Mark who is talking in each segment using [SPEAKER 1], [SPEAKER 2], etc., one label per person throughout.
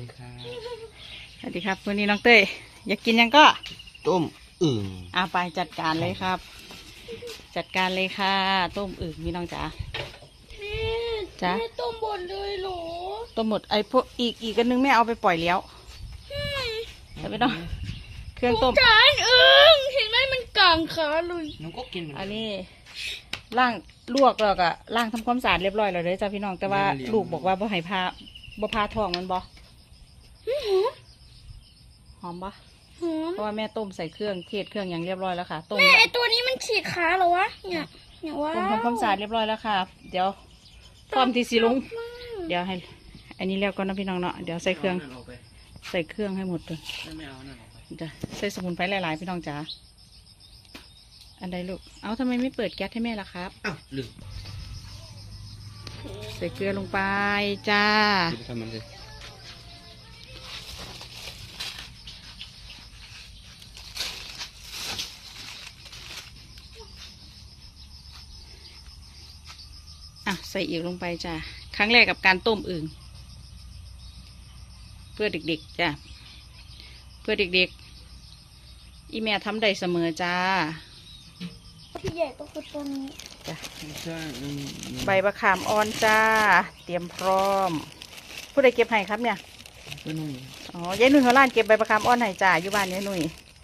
[SPEAKER 1] ดีครับ
[SPEAKER 2] สวัสดีครับวันนี้น้องเต้ยอยากกินยังก็
[SPEAKER 1] ต้มอึ่ง
[SPEAKER 2] ไปจัดการเลยครับ จัดการเลยค่ะ ต้มอึ่งพี่น้องจ๋าจ้า
[SPEAKER 3] แม่ต้มบดเลยเหรอ
[SPEAKER 2] ต้มหมดไอ้พวกอีกอันนึงแม่เอาไปปล่อยแล้วแต่ไม่ต้องเครื่องต้ม
[SPEAKER 3] จานเห็นไหมมันกลางขาเลย
[SPEAKER 1] น้องก็กินเหมือน
[SPEAKER 2] อั
[SPEAKER 1] กัน น
[SPEAKER 2] นี้ล่างลวกแล้วก็ล่างทำความสะอาดเรียบร้อยแล้วเลยจ้าพี่น้องแต่ว่าลูกบอกว่าบ่ให้พาบ่พาท้องมันบ่หอมบ่
[SPEAKER 3] หอม
[SPEAKER 2] เพราะว่าแม่ต้มใส่เครื่องเทศเครื่องอย่างเรียบร้อยแล้วค่ะต้ม
[SPEAKER 3] แม่ไอตัวนี้มันฉีกขาเหรอวะเนี่ยว้า
[SPEAKER 2] ต้ม
[SPEAKER 3] ว
[SPEAKER 2] ทำความสะอาดเรียบร้อยแล้วค่ะ เดี๋ยวพร้อมที่สิลงเดี๋ยวให้ อันนี้แล้วก็นะพี่น้องเนาะเดี๋ยวใส่เครื่องให้หมดเลย
[SPEAKER 1] ไม่เอานั่นออกไป
[SPEAKER 2] จะใส่สมุนไพรหลายๆพี่น้องจ๋าอันใดลูกเอาทำไมไม่เปิดแก๊สให้แม่ล่ะครับ
[SPEAKER 1] อ้าวลืม
[SPEAKER 2] ใส่เกลือลงไปจ้า
[SPEAKER 1] กินทำมันเลย
[SPEAKER 2] ใส่อีกลงไปจ้าครั้งแรกกับการต้มอึ่งเพื่อเด็กๆจ้าเพื่อเด็กๆอีแม่ทำได้เสมอจ้า
[SPEAKER 3] ที่ใหญ่ก็คือตัวนี้
[SPEAKER 2] จ้ะ
[SPEAKER 1] ใช่
[SPEAKER 2] ใบมะขามอ่อนจ้า เตรียมพร้อม ผู้ใดเก็บให้ครับเนี่ย
[SPEAKER 1] ก็นุ่ม
[SPEAKER 2] อ๋อยายนุ่ยหัวล้านเก็บใบมะขามอ่อนให้จ้าอยู่บ้านยายนุ่ย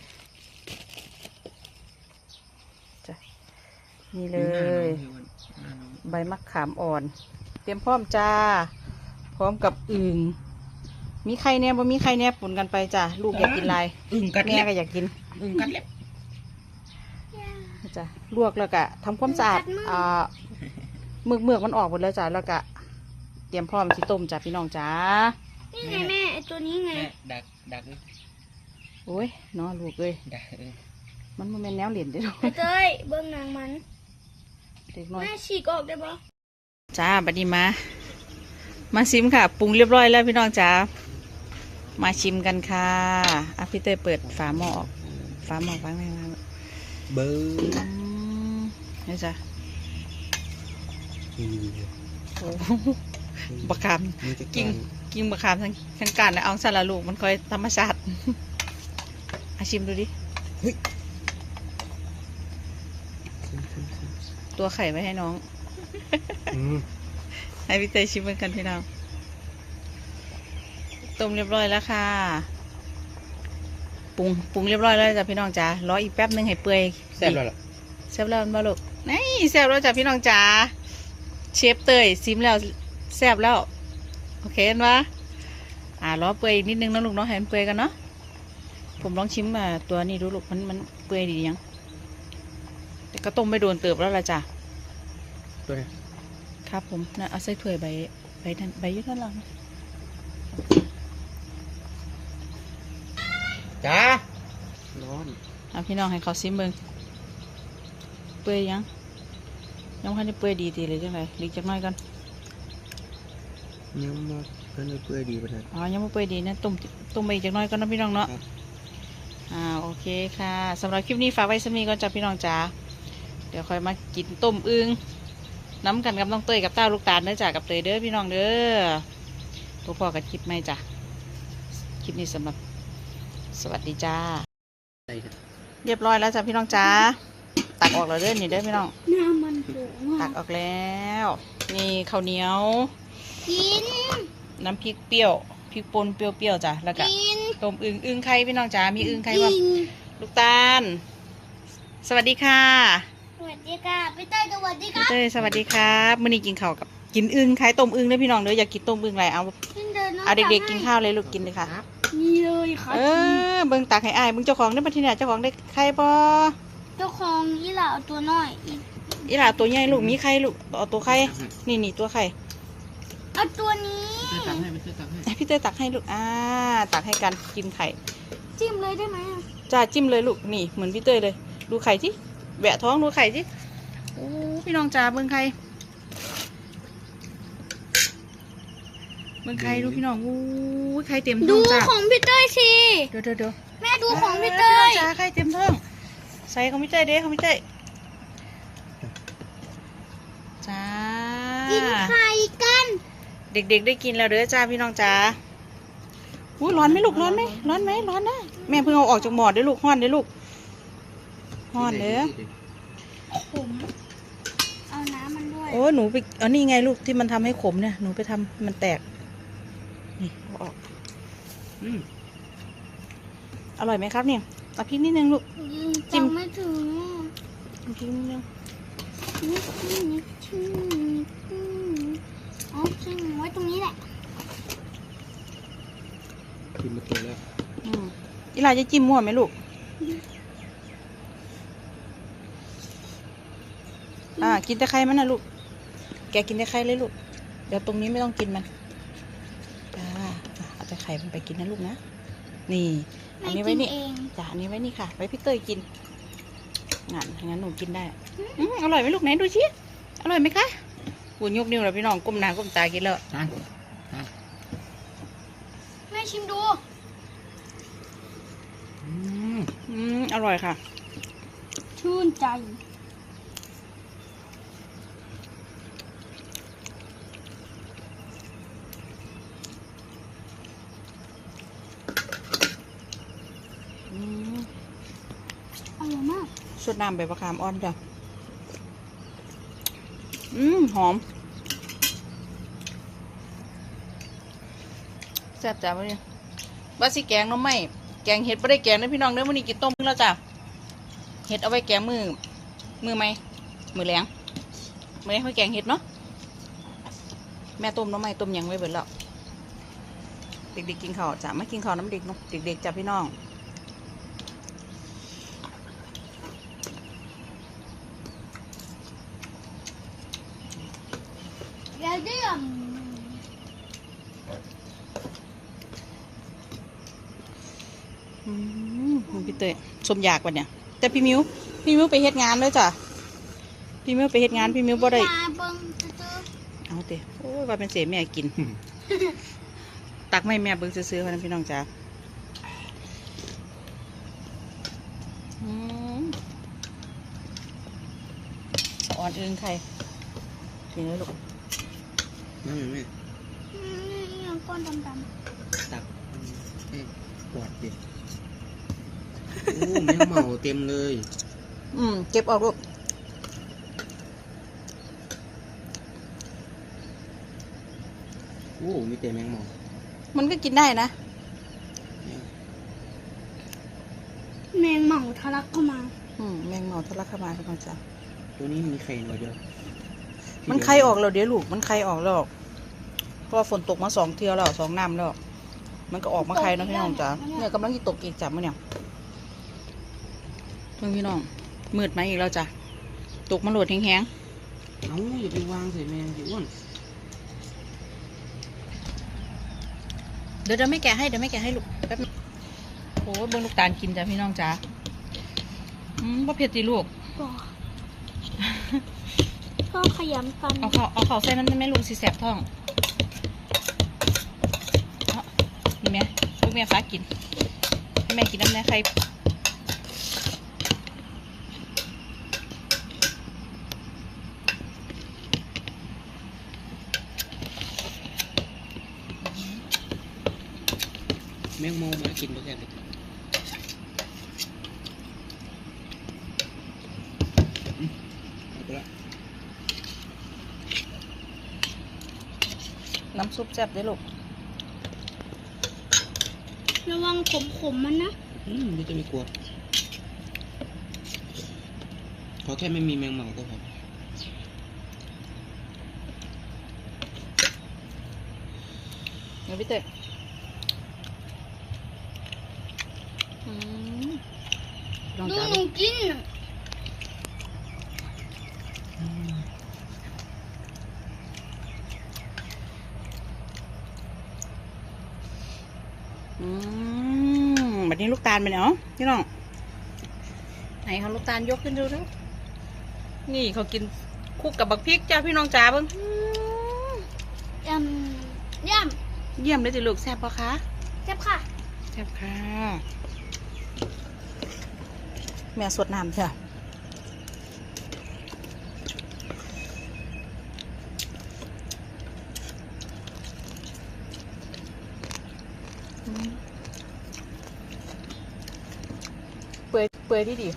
[SPEAKER 2] จ้ะนี่เลย ใบมะขามอ่อน เตรียมพร้อมจ้า พร้อมกับอึ่งมีไข่แน่บ่มีไข่แน่ปุ่นกันไปจ้าลูกอยากกินลาย
[SPEAKER 1] อึ่งกัด
[SPEAKER 2] แม่
[SPEAKER 1] เล็บ
[SPEAKER 2] ก็อยากกิน
[SPEAKER 1] อึ่งกัดเล็บ
[SPEAKER 2] จ้ะลวกแล้วก็ทำความสะอาดเมือกมันออกหมดแล้วจ้ะแล้วก็เตรียมพร้อมที่ต้มจ้ะพี่น้องจ้า
[SPEAKER 3] นี่ไงแม่ไอตัวนี้ไง
[SPEAKER 1] แม่ดัก
[SPEAKER 2] โอ้ยเนาะลูกเอ้ย
[SPEAKER 1] ดัก
[SPEAKER 2] มันบ่แม่นแนวเหรียญเด้อ
[SPEAKER 3] ไอเต้ยเบิ้งนางมัน
[SPEAKER 2] เด็กน้อย
[SPEAKER 3] แม่ฉีกออกได้ปะ
[SPEAKER 2] จ้าบัดนี้มาชิมค่ะปรุงเรียบร้อยแล้วพี่น้องจ้ามาชิมกันค่ะพี่เต้ยเปิดฝาหม้อออกฝาหม้อฟังได้ไหม
[SPEAKER 1] เบอร์
[SPEAKER 2] นี่จ้ะโอ้บะขามกิ้งบะขามทั้งการนะเอาสารลูกมันค่อยธรรมชาติชิมดูดิตัวไข่ไว้ให้น้องให้พี่เตยชิมเหมือนกันพี่น้องต้มเรียบร้อยแล้วค่ะปรุงเรียบร้อยแล้วจ้ะพี่น้องจ๋ารออีกแป๊บนึงให้เปื่อย
[SPEAKER 1] แซ่บแล้วล่ะ
[SPEAKER 2] แซ่บแล้วมาลูกนี่แซ่บแล้วจ้ะพี่น้องจ๋าเชฟเตยซิมแล้วแซ่บแล้วโอเคเห็นปะรอเปื่อยนิดนึงนะลูกเนาะให้มันเปื่อยกันเนาะผมลองชิมตัวนี้ดูลูกมันเปื่อยดียังแต่ก็ต้มไม่โดนเติบแล้วละจ้ะ
[SPEAKER 1] ตัวนี้
[SPEAKER 2] ครับผมนะเอาใส่ถ้วยใบนั้นใบยืดนั่นหรอ
[SPEAKER 1] จ้าร้อน
[SPEAKER 2] เอาพี่น้องให้เขาซิมเบิ้งเปื่อยยังพันได้เปื่อยดีเลยจังไรหลีกจักหน่อยกัน
[SPEAKER 1] ยังมาเพิ่นเปื่อยดีไปเลย
[SPEAKER 2] ยังไม่เปื่อยดีนะต้มไปอีกจักหน่อยก่อนนะพี่น้องเนาะโอเคค่ะสำหรับคลิปนี้ฝากไว้สักนิดก่อนจ้ะพี่น้องจ๋าเดี๋ยวค่อยมากินต้มอึ่งน้ำกันกับน้องเตยกับต้าลูกตาลเด้อจ้ะกับเตยเด้อพี่น้องเด้อตัวพ่อกับคลิปไม่จ้ะคลิปนี้สำหรับสวัสดีจ้าเรียบร้อยแล้วจ้ะพี่น้องจ้าตักออกแล้วเด้อนี่เด้อพี่น้อง
[SPEAKER 3] น้ำมันสูง
[SPEAKER 2] ตักออกแล้วนี่ข้าวเหนียว
[SPEAKER 3] กิน
[SPEAKER 2] น้ำพริกเปรี้ยวพริกป่นเปรี้ยวๆจ้ะแล้วก็
[SPEAKER 3] กิน
[SPEAKER 2] ต้มอึ่งไข่พี่น้องจ้ามีอึ่งไข่ว่า
[SPEAKER 3] กิน
[SPEAKER 2] ลูกตาลสวัสดีค่ะ
[SPEAKER 3] สวัสดีค่ะพี่เต้ยสวัสดีค
[SPEAKER 2] พี่
[SPEAKER 3] รับ
[SPEAKER 2] เต้ยสวัสดีครับมื้อนี้กินข้าวกับกินอึ่งไข่ต้มอึ่งเด้อพี่น้องเด้ออยากกินต้มอึ่งอะไรเอาเด็กๆกินข้าวเลยลูกกินเลยค่ะ
[SPEAKER 3] นี่เลยค่ะ
[SPEAKER 2] เบิ่งตักให้อ้ายเบิ่งเจ้าของได้มาที่เนี่ยเจ้าของได้ไข่บ่
[SPEAKER 3] เจ้าของยี่หล่าเอาตัวน้อย
[SPEAKER 2] อีหล่าตัวใหญ่ลูกมีไข่ลูกเอาตัวไข่นี่ตัวไข่
[SPEAKER 3] เอาตัวนี้
[SPEAKER 1] ตักให้มันตักให้
[SPEAKER 2] ให้พี่เต้ยตักให้ลูกตักให้กันกินไข่
[SPEAKER 3] จิ้มเลยได้ไหม
[SPEAKER 2] จ้าจิ้มเลยลูกนี่เหมือนพี่เต้ยเลยดูไข่ที่แหวะท้องดูไข่ที่โอ้พี่น้องจ๋าเบิ่งไข่เบิ่งไข่ดูพี่น้องอู้ไข่เต็มท้
[SPEAKER 3] ดู
[SPEAKER 2] องจ้า
[SPEAKER 3] ของพี่เต้ยสิ
[SPEAKER 2] เดี๋ยว
[SPEAKER 3] แม่ดูของพี่เต้ย
[SPEAKER 2] จ้าไข่เต็มท้องใส่ของพี่เต้ยเด้ของพี่เต้ยจ้า
[SPEAKER 3] กินไข่กัน
[SPEAKER 2] เด็กๆได้กินแล้วเด้อจ้าพี่น้องจ้าอุ้ยร้อนไหมลูกร้อนไหมร้อนไหมร้อนนะแม่เพิ่งเอาออกจากหม้อเด้อลูกฮ้อนเด้อลูกฮ้อนเด้อ
[SPEAKER 3] ผมเอาน้ำมันด้วย
[SPEAKER 2] โอ้หนูไปเอานี่ไงลูกที่มันทำให้ขมเนี่ยหนูไปทำมันแตกนี่เอาออก
[SPEAKER 1] อืม
[SPEAKER 2] อร่อยไหมครับเนี่ยเอาพริกนิดนึงลูก จิ้
[SPEAKER 3] จิ้
[SPEAKER 2] ม
[SPEAKER 3] มไม่ถึง
[SPEAKER 2] เอาพริกนิดนึง
[SPEAKER 3] อ๋อจิ้มไว้ตรงนี้แหละ
[SPEAKER 1] กินมาตัวแล้ว
[SPEAKER 2] อีหลาจะจิ้มมั่วไหมลูกกินแต่ไข่มันนะลูกแกกินแต่ไข่เลยลูกเดี๋ยวตรงนี้ไม่ต้องกินมันจ้าเอาแต่ไข่มันไปกินนะลูกนะนี่อันนี้ไว้นี่
[SPEAKER 3] แม่กิเอง
[SPEAKER 2] จ้าอันนี้ไว้นี่ค่ะไว้พี่เตยกินงั้นหนูกินได้อร่อยไหมลูกไหนดูชิอร่อยไหมคะกูยกนิ้วแล้วพี่น้องก้มหน้าก้มตากินแล้ว
[SPEAKER 1] ทาน
[SPEAKER 3] แม่ชิมดู
[SPEAKER 1] อืม
[SPEAKER 2] อร่อยค่ะ
[SPEAKER 3] ชื่นใจ อร่อยมาก
[SPEAKER 2] สดน้ำใบมะขามอ่อนจ้ะหอมแซ่บจ้ะวันนี้บาสิแกงหน้ำไหมแกงเห็ดไม่ได้แกงนะพี่น้องเด้อวันนี้กินต้มแล้วจ้ะเห็ดเอาไว้แกงมือไหมมือแรงไม่ได้ค่อยแกงเห็ดเนาะแม่ต้มหน้ำไหมต้มยังไว้เบิดแล้วเด็กๆกินข้าวจ้ะไม่กินข้าวน้ำเด็กเนาะเด็กๆจ้ะพี่น้อง
[SPEAKER 3] เดี๋ยวเดี๋ยว
[SPEAKER 2] พี่เตยสมอยากวันเนี่ยแต่พี่มิวไปเฮ็ดงานเลยจ้ะพี่มิวไปเฮ็ดงานพี่มิวบ่ได้
[SPEAKER 3] ยาเบิ้งซื้อ
[SPEAKER 2] เอาเตะโอ้ยว่าเป็นเสียแม่กิน ตักไม่แม่เบิ่งซื้อๆเขานะพี่น้องจ้าอ่อนเอิงไข่กินเลยลูก
[SPEAKER 1] นั่นไงแม่
[SPEAKER 3] นี่ก้อนดำ
[SPEAKER 1] ตักปวดดิโอ้แมงเม่าเต็มเลย
[SPEAKER 2] เก็บออกลูก
[SPEAKER 1] โอ้มีแต่แมงเม่า
[SPEAKER 2] มันก็กินได้นะ
[SPEAKER 3] ๆแมงเหม่าทะลักเข้ามา
[SPEAKER 2] แมงเม่าทะลักเข้ามาพี่น้องจ้า
[SPEAKER 1] ตัวนี้มีไข่หน่อยเดียว
[SPEAKER 2] มันไข่ออกแล้วเดี๋ยวลูกมันไข่ออกแล้วเพราะฝนตกมา2 เทื่อแล้ว2 น้ำแล้วมันก็ออกมาไข่เนาะพี่น้องจ้าเนี่ยกำลังจะตกอีกจับมาเนี่ยเพื่อนพี่น้องมืดมาอีกแล้วจ้ะตกมาโหลดแห้ง
[SPEAKER 1] เอ้าอย่าไปวางใส่แมงสิอ้วน
[SPEAKER 2] ๆเดี๋ยวไม่แกะให้ลูกแป๊บนึงโอ้เบิ้งลูกตาลกินจ้ะพี่น้องจ้าบ่เผ็ดสิลูก
[SPEAKER 3] ก็ขยำกัน
[SPEAKER 2] เอาข้าวใส่มันไม่ลูกสิแสบท้องนี่แม่ลูกแม่ฟ้ากินให้แม่กินน้ำแน่ใคร
[SPEAKER 1] แมงเม่ามากินไปแค่ไหนเอาไปละ
[SPEAKER 2] น้ำซุปแซ่บได้ลูก
[SPEAKER 3] ระวังขมๆมันนะ
[SPEAKER 1] ไม่จะมีกลัวขอแค่ไม่มีแมงเม่าก็พอ
[SPEAKER 2] เดี๋ยวพี่เต๋ลอง
[SPEAKER 3] ดู
[SPEAKER 2] จ้า
[SPEAKER 3] หนูกิน
[SPEAKER 2] แบบนี้ลูกตาลไปเนาะพี่น้องไหนเขาลูกตาลยกขึ้นดูด้วยนี่เขากินคู่กับบักพริกจ้าพี่น้องจ๋าเบิ้ง
[SPEAKER 3] ยำ
[SPEAKER 2] เยี่ยมเลยจิลูกแซ่บปะคะ
[SPEAKER 3] เจ็บค่ะ
[SPEAKER 2] แซ่บค่ะแม่สดน้ำเถอะเปื่อยดี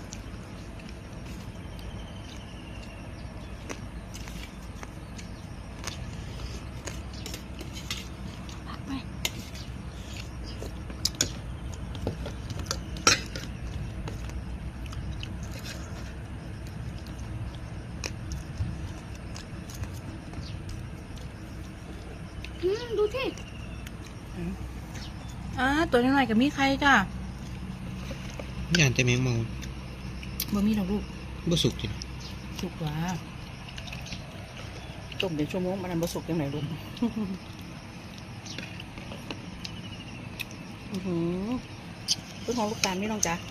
[SPEAKER 2] ผักไป
[SPEAKER 3] ดูที่
[SPEAKER 2] ตัวน้อยๆกับมีใครจ้า
[SPEAKER 1] ย่านแต่แมงเมา
[SPEAKER 2] บ่มีดอกลูก
[SPEAKER 1] บ่สุกจิ
[SPEAKER 2] สุกว่าต้มเดี๋ยวชั่วโมงมันบ่สุกยังไงลูก เป็นของลูกตาลนี่น้องจ๊ะ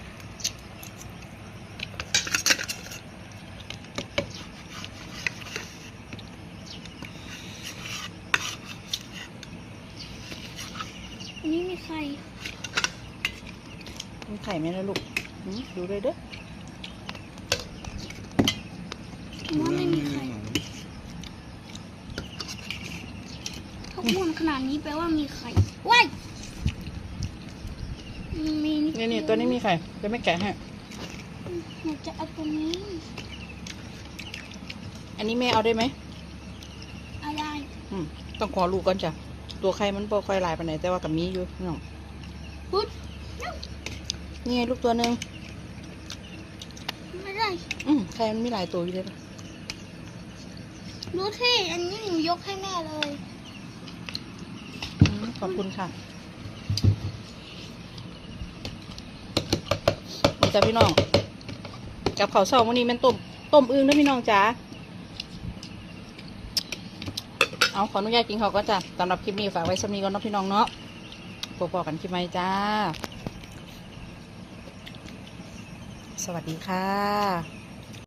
[SPEAKER 3] อันนี้มีใคร
[SPEAKER 2] มีไข่ไหมนะลูกดูเลยเด้อ
[SPEAKER 3] ว่าไม่มีใครเขาม้วนขนาดนี้แปลว่ามีใครว้ายมี
[SPEAKER 2] นี่ตัวนี้มีไข่จะไม่แกะให้
[SPEAKER 3] หนูจะเอาตัวนี้
[SPEAKER 2] อันนี้แม่เอาได้ไหม
[SPEAKER 3] อะไร
[SPEAKER 2] ต้องขอลูกก่อนจ้ะ ตัวไข่มันบ่ค่อยลายไปไหนใดแต่ว่ากับมีอยู่น้อง
[SPEAKER 3] พุด
[SPEAKER 2] นี่ไงลูกตัวหนึ่ง
[SPEAKER 3] ไม่ได้
[SPEAKER 2] ไข่มันมีหลายตัวอยู่เลย
[SPEAKER 3] ดูที่อันนี้หนูยกให้แม่เลย
[SPEAKER 2] ขอบคุณค่ะนี่จ้ะพี่น้อง กับข้าวเช้าวันนี้เป็นต้มอึ่งนะพี่น้องจ๋าเอาขออนุญาตกินข้าวก็จ้ะสำหรับคลิปนี้ฝากไว้สำนีก่อนเนาะพี่น้องเนาะพบกันคลิปใหม่จ้า สวัสดีค่ะ